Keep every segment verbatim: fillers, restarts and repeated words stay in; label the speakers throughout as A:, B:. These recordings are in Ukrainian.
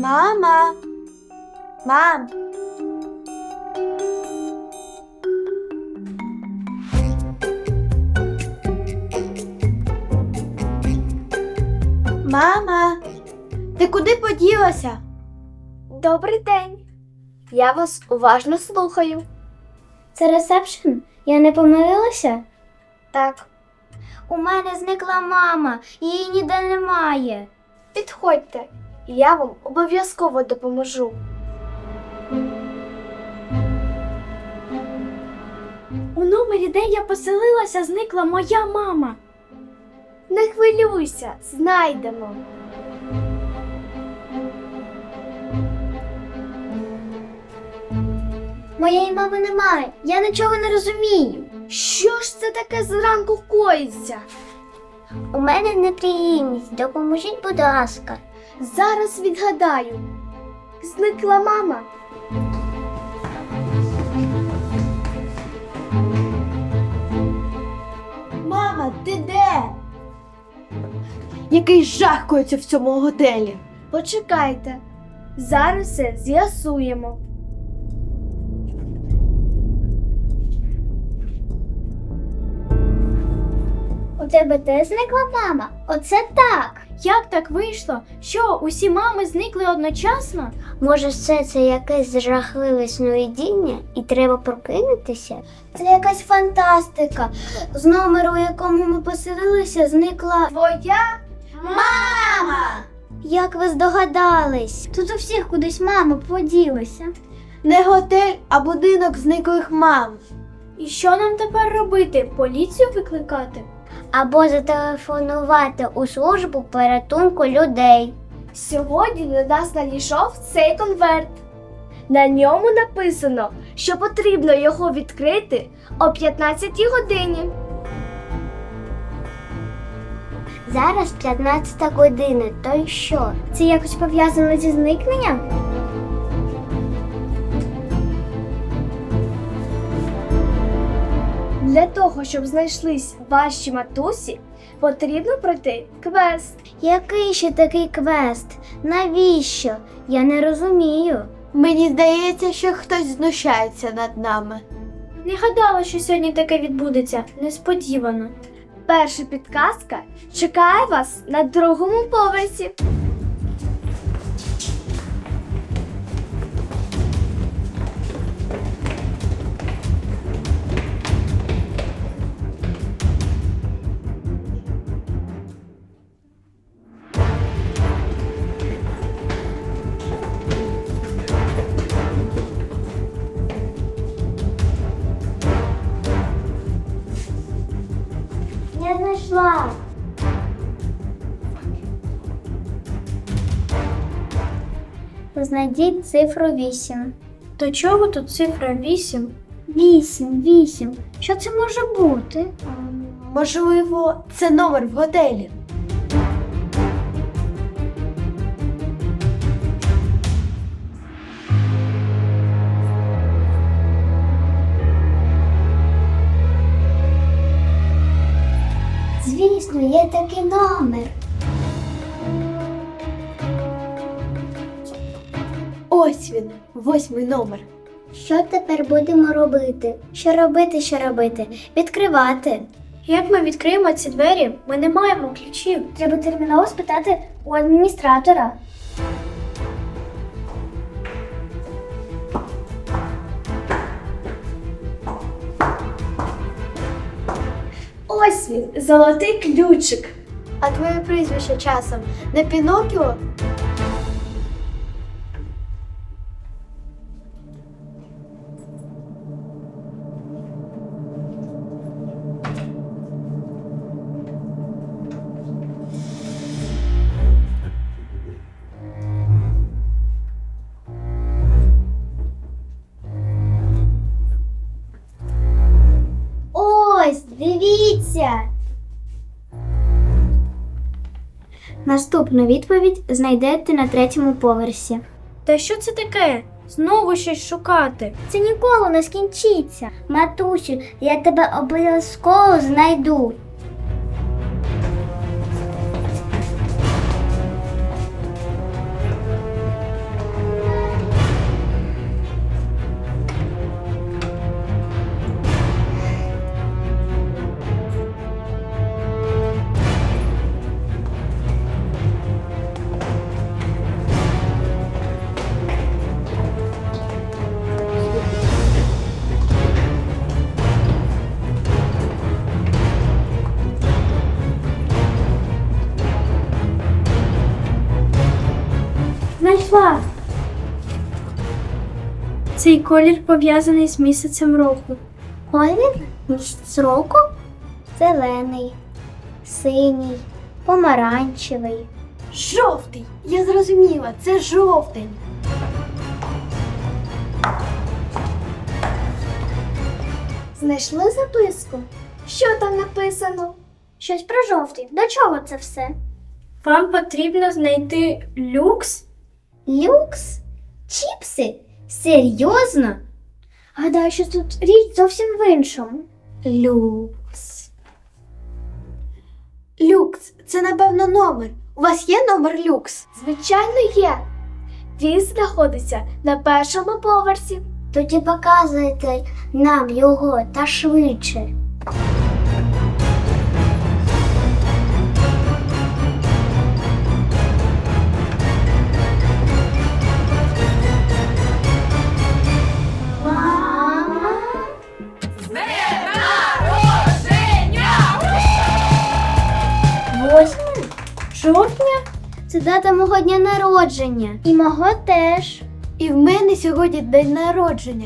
A: Мама! Мам! Мама! Ти куди поділася?
B: Добрий день. Я вас уважно слухаю.
C: Це ресепшн? Я не помилилася?
B: Так.
C: У мене зникла мама, її ніде немає.
B: Підходьте, я вам обов'язково допоможу.
C: У номері, де я поселилася, зникла моя мама.
B: Не хвилюйся, знайдемо.
C: Моєї мами немає, я нічого не розумію.
B: Що ж це таке зранку коїться?
C: У мене неприємність, допоможіть, будь ласка.
B: Зараз відгадаю. Зникла мама.
A: Мама, ти де? Який жах коїться в цьому готелі.
B: Почекайте. Зараз все з'ясуємо.
C: У тебе теж зникла мама? Оце так.
D: Як так вийшло? Що, усі мами зникли одночасно?
C: Може, все це якесь жахливе сновидіння і треба прокинутися? Це якась фантастика. З номеру, у якому ми поселилися, зникла
B: Твоя
C: мама! Як ви здогадались? Тут у всіх кудись мама поділася.
A: Не готель, а будинок зниклих мам.
D: І що нам тепер робити? Поліцію викликати?
C: Або зателефонувати у службу порятунку людей.
B: Сьогодні до нас надійшов цей конверт. На ньому написано, що потрібно його відкрити о п'ятнадцятій годині.
C: Зараз п'ятнадцята година, то й що? Це якось пов'язано зі зникненням?
B: Для того, щоб знайшлись ваші матусі, потрібно пройти квест.
C: Який ще такий квест? Навіщо? Я не розумію.
A: Мені здається, що хтось знущається над нами.
D: Не гадала, що сьогодні таке відбудеться. Несподівано.
B: Перша підказка чекає вас на другому поверсі.
C: Я знайшла. Знайдіть цифру вісім.
D: До чого тут цифра вісім?
C: Вісім, вісім. Що це може бути?
A: Можливо, це номер в готелі.
C: Звісно, є такий номер.
A: Ось він, восьмий номер.
C: Що тепер будемо робити? Що робити, що робити? Відкривати.
D: Як ми відкриємо ці двері? Ми не маємо ключів.
C: Треба терміново спитати у адміністратора.
B: Ось він, золотий ключик.
A: А твоє прізвище часом не Пінокіо?
C: Ось, дивіться! Наступну відповідь знайдете на третьому поверсі.
D: Та що це таке? Знову щось шукати.
C: Це ніколи не скінчиться. Матусю, я тебе обов'язково знайду.
D: знайшла. Цей колір пов'язаний з місяцем року.
C: Колір місяць року? Зелений, синій, помаранчевий.
A: Жовтий! Я зрозуміла, це жовтень.
B: Знайшли записку? Що там написано?
C: Щось про жовтий. До чого це все?
D: Вам потрібно знайти люкс?
C: Люкс? Чіпси? Серйозно? Гадаю, що тут річ зовсім в іншому.
A: Люкс. Люкс, це напевно номер. У вас є номер люкс?
B: Звичайно, є. Він знаходиться на першому поверсі.
C: Тоді показуйте нам його та швидше. Мама? Восьме жовтня? Це дата мого дня народження. І мого теж.
A: І в мене сьогодні день народження.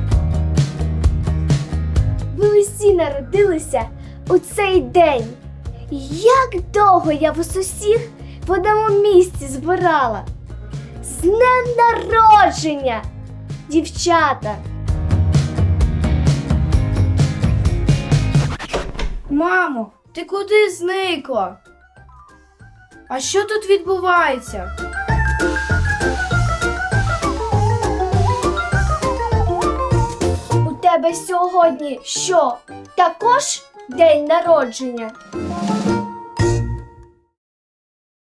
B: Ви усі народилися у цей день. Як довго я вас усіх в одному місці збирала. З днем народження, дівчата!
E: Мамо, ти куди зникла? А що тут відбувається?
B: У тебе сьогодні що? Також день народження?